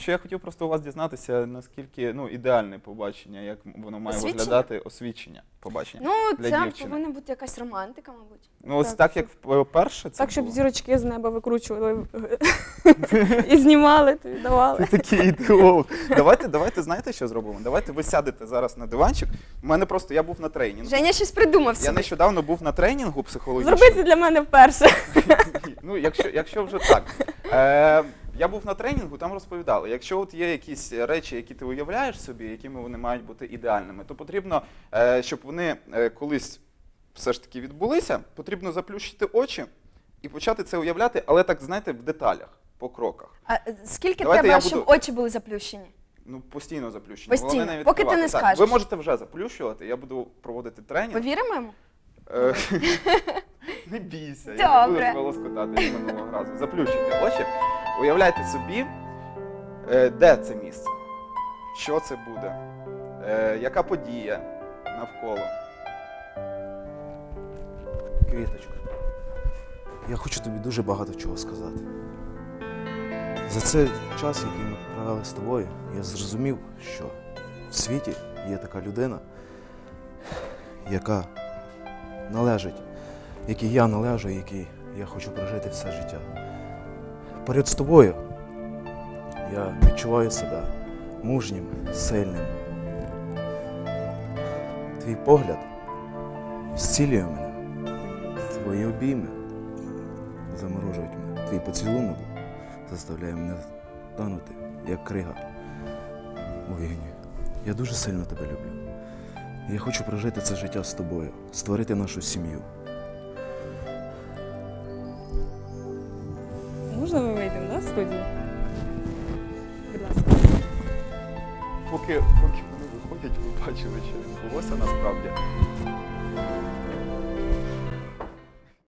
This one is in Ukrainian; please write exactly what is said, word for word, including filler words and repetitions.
що я хотів просто у вас дізнатися, наскільки ну, ідеальне побачення, як воно має Освічення? виглядати, освічення побачення Ну, для це дівчини. повинна бути якась романтика, мабуть. Ну, ось Так, так, щоб- як перше це Так, щоб було. зірочки з неба викручували і знімали, тобі давали. Ти такий ідеолог. Давайте, давайте, знаєте, що зробимо? Давайте ви сядете зараз на диванчик. У мене просто, я був на тренінгу. Женя щось придумав Я собі. нещодавно був на тренінгу психологічному. Зроби це для мене вперше. Ну, якщо, якщо вже так. Е, я був на тренінгу, там розповідали, якщо от є якісь речі, які ти уявляєш собі, якими вони мають бути ідеальними, то потрібно, е, щоб вони е, колись все ж таки відбулися, потрібно заплющити очі і почати це уявляти, але так, знаєте, в деталях, по кроках. А е, скільки Давайте треба, я щоб буду- очі були заплющені? Ну, постійно заплющені. Постійно, Головне не поки ти не відкривати. Так, скажеш. ви можете вже заплющувати, я буду проводити тренінг. Повіримо йому? Е, Не бійся, я не буду Добре. тебе лоскотати як минулого разу. Заплющуйте очі, уявляйте собі, е, де це місце, що це буде, е, яка подія навколо. Квіточка, я хочу тобі дуже багато чого сказати. За цей час, який ми провели з тобою, я зрозумів, що в світі є така людина, яка належить, якій я належу, якій я хочу прожити все життя. Поряд з тобою я відчуваю себе мужнім, сильним. Твій погляд зцілює мене. Твої обійми заморожують мене. Твій поцілунок заставляє мене танути, як крига у вогні. Я дуже сильно тебе люблю. Я хочу прожити це життя з тобою, створити нашу сім'ю. Можна ми вийдемо, да, з студії? Будь ласка. Поки, поки вони виходять, ви бачили, що відбулося насправді.